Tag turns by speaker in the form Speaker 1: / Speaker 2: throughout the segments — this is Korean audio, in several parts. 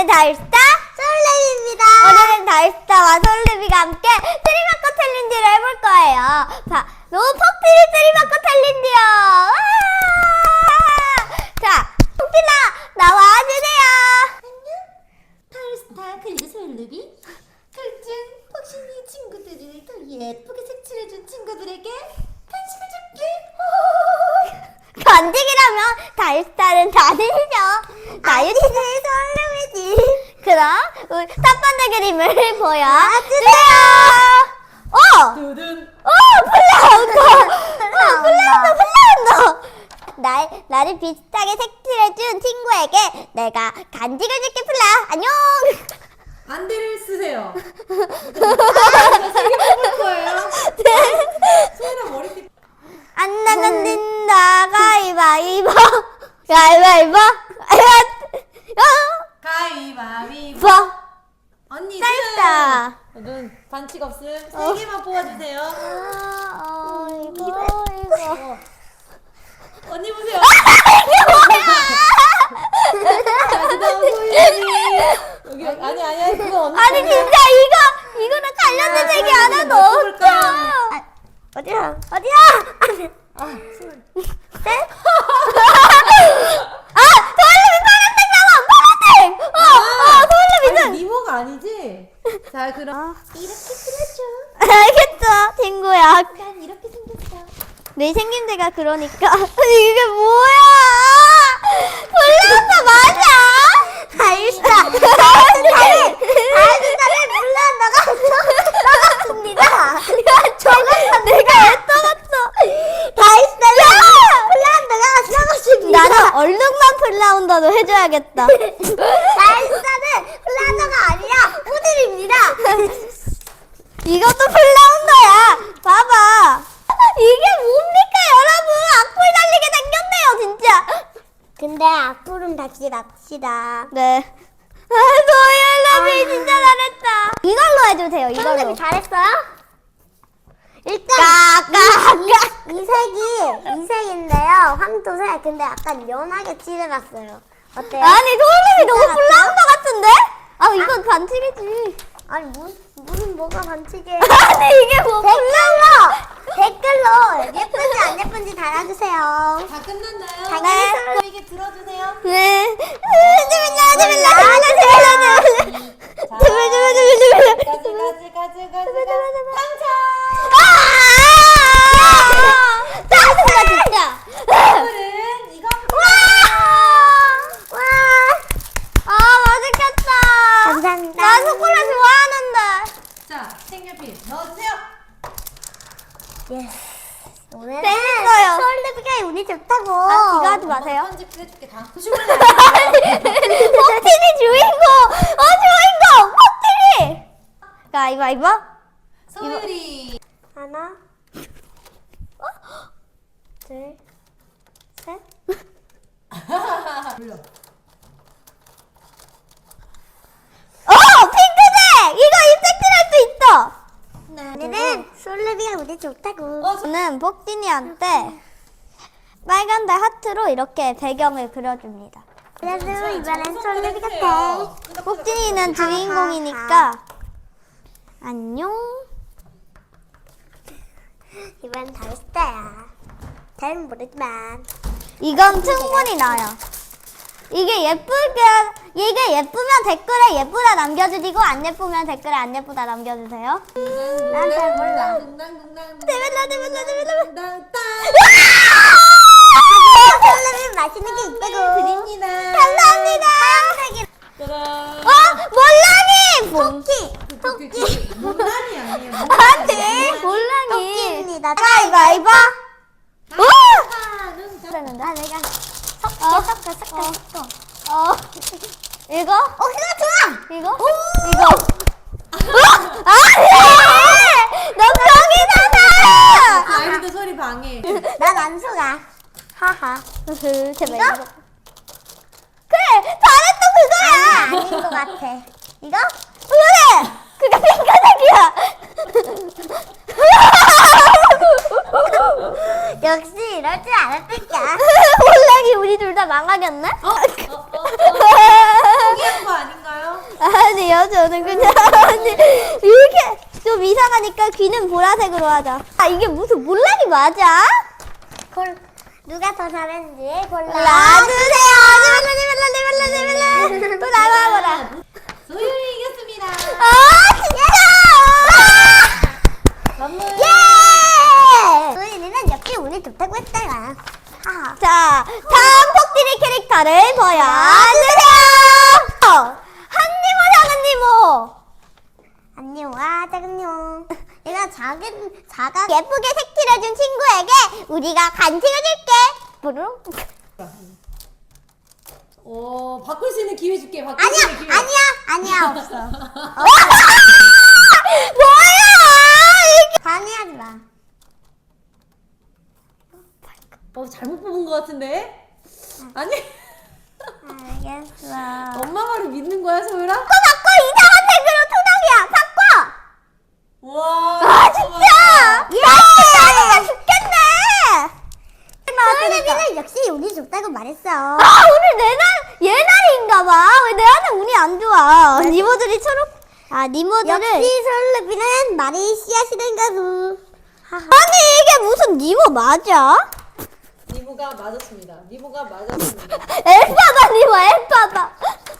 Speaker 1: 달스타 솔레비입니다. 오늘은 달스타와 솔레비가 함께 트리마커 챌린지를 해볼 거예요. 너무 폭필이 트리마커 챌린지요. 자, 폭필아 나와주세요.
Speaker 2: 안녕, 달스타 그리고 솔레비. 각종 폭신이 친구들을 더 예쁘게 색칠해준 친구들에게 간식을 줄게.
Speaker 1: 간직이라면 달스타는 다들이죠. 나유리는 솔레비지. 그럼 우리 첫 번째 그림을 보여주세요.
Speaker 2: 두둔.
Speaker 1: 플라운더. 나를 비슷하게 색칠해준 친구에게 내가 간직을 줄게. 플라 안녕.
Speaker 2: 안대를 쓰세요. 제가 세개 뽑을 거예요. 소연아 머리띠.
Speaker 1: 안 나면 된다. 가위바위보. 가위바위보.
Speaker 2: 가위바위보. 언니
Speaker 1: 짧다.
Speaker 2: 눈 반칙 없음. 3개만 뽑아주세요.
Speaker 1: 이거.
Speaker 2: 언니 보세요. 여기 아니 그거 언니.
Speaker 1: 아니 진짜 이거랑 관련된 얘기 하나도 없어. 어디야? 네? 솔레비 파란색 나와. 솔레비
Speaker 2: 아니 미모가 아니지? 자 그럼 이렇게 그려줘.
Speaker 1: 알겠죠, 친구야.
Speaker 2: 난 이렇게 생겼어.
Speaker 1: 내 생김새가 그러니까. 이게 뭐야? 플라운더 맞아? 달스타. 달스타를 플라운더가 떠났습니다. 저거 내가 왜 떠났어? 달스타를 플라운더가 떠났습니다. 나는 얼룩만 플라운더도 해줘야겠다. 달스타는 플라운더가 아니라 호들입니다. 이것도 플라운더야. 봐봐. 이게 뭡니까 여러분. 악플 달리게 생겼네요 진짜. 근데 악플은 다시 납시다. 네. 소연레비 진짜 잘했다. 이걸로 해주세요. 이걸로. 소연레비 잘했어요? 일단 이 색인데요. 황토색. 근데 약간 연하게 칠해봤어요. 어때요? 아니 소연레비 너무 플라운더 같은데? 이건 반칙이지. 아니 무슨 뭐가 반칙이에요? 아니 이게 뭐 댓글로 예쁜지 안 예쁜지 달아주세요.
Speaker 2: 다 끝났나요?
Speaker 1: 네.
Speaker 2: 저에게 들어주세요.
Speaker 1: 네.
Speaker 2: 당첨!
Speaker 1: 짜증나 진짜.
Speaker 2: 오늘은 이거
Speaker 1: 맛있겠다. 감사합니다. 나 초콜릿 좋아하는데.
Speaker 2: 자, 색연필 넣어주세요.
Speaker 1: 오늘은 재밌어요. 솔레비가 운이 좋다고. 이거 하지 마세요.
Speaker 2: 편집 해줄게 다.
Speaker 1: 폭진이 주인공. 주인공. 폭진이. 가위바위보.
Speaker 2: 소율이.
Speaker 1: 하나, 둘, 셋.
Speaker 2: 불러.
Speaker 1: 핑크색! 이거 입색칠할 수 있어.
Speaker 2: 오늘은
Speaker 1: 솔레비가 운이 좋다고.
Speaker 2: 어,
Speaker 1: 저는 폭진이한테 빨간 달 하트로 이렇게 배경을 그려줍니다. 그래도 이번엔 솔레비 같아. 폭진이는 주인공이니까 안녕. 이번 달스타야. 잘은 모르지만 이건 충분히 나요. 이게 예쁘면 댓글에 예쁘다 남겨주시고 안 예쁘면 댓글에 안 예쁘다 남겨주세요. 난 잘 몰라. 솔레비 맛있는 게 있다고.
Speaker 2: 드립니다.
Speaker 1: 감사합니다. 몰랑이. 토끼.
Speaker 2: 못난이 아니에요.
Speaker 1: 아니 몰랑이. 토끼입니다. 가위바위보. 그랬는데 내가 섞어. 이거? 그거 좋아. 이거? 아니! 너 병이잖아!
Speaker 2: 아이도 소리 방해.
Speaker 1: 난 안 속아. 하하. 제발 이거? 그래! 잘했어 그거야! 아닌 것 같아. 이거? 그래! 그게 핑크색이야! 역시 이럴 줄 알았을까? 몰랑이 우리 둘 다 망하겠네?
Speaker 2: 포기한 거 아닌가요?
Speaker 1: 저는 그냥 이렇게 좀 이상하니까 귀는 보라색으로 하자. 아 이게 무슨 몰락이 맞아? 누가 더 잘했는지 골라주세요. 또 나와보라.
Speaker 2: 소율이 이겼습니다.
Speaker 1: 아 진짜!
Speaker 2: 선물.
Speaker 1: 예! 소윤이는 역시 운이 좋다고 했잖아. 자, 다음 폭딜의 캐릭터를 보여주세요. 한니모 작은니모. 안니모와 작은니모. 내가 작아 예쁘게 색칠해준 친구에게 우리가 간식을 줄게. 부르릉.
Speaker 2: 바꿀 수 있는 기회 줄게. 바꿀 수 있는 기회.
Speaker 1: 아니야 없어. 뭐야? 방해하지 마.
Speaker 2: 잘못 뽑은 것 같은데? 아니.
Speaker 1: 알겠어.
Speaker 2: 엄마 말을 믿는 거야, 소율아?
Speaker 1: 바꿔 이상한 색으로 투닥이야. 바꿔.
Speaker 2: 와.
Speaker 1: 아 진짜. 나 진짜 죽겠네. 소윤이는 역시 운이 좋다고 말했어. 아 오늘 얘 날인가봐. 왜 내한테 운이 안 좋아? 니모들이 니모들을 역시 솔루비는 말이 씨앗이던가 구. 아니 이게 무슨 니모 맞아?
Speaker 2: 니모가 맞았습니다. 니모가 맞았습니다.
Speaker 1: 엘파다 니모 엘파다.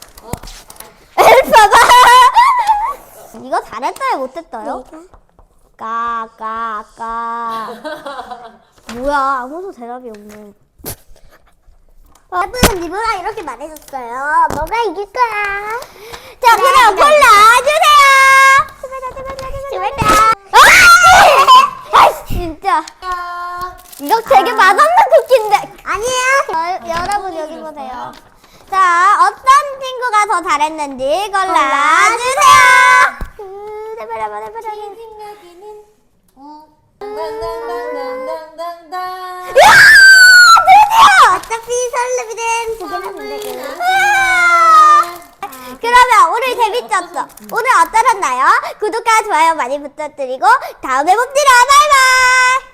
Speaker 1: 엘파다. 이거 잘했어요 못했어요? 까까까. 뭐야 아무도 대답이 없네. 여러분 니모랑 이렇게 말해줬어요. 뭐가 이길 거야? 자 그럼 골라주세요. 아 진짜 이거 되게 맛없는 쿠키인데. 아니에요. 여러분 여기 보세요. 자 어떤 친구가 더 잘했는지 골라주세요.
Speaker 2: 생각에는 당당당당당당당.
Speaker 1: 드디어! 어차피 설레비는 두 개나 된다고. 그러면 오늘 재밌었어. 오늘 어떠셨나요? 구독과 좋아요 많이 부탁드리고 다음에 봅시다. 바이바이.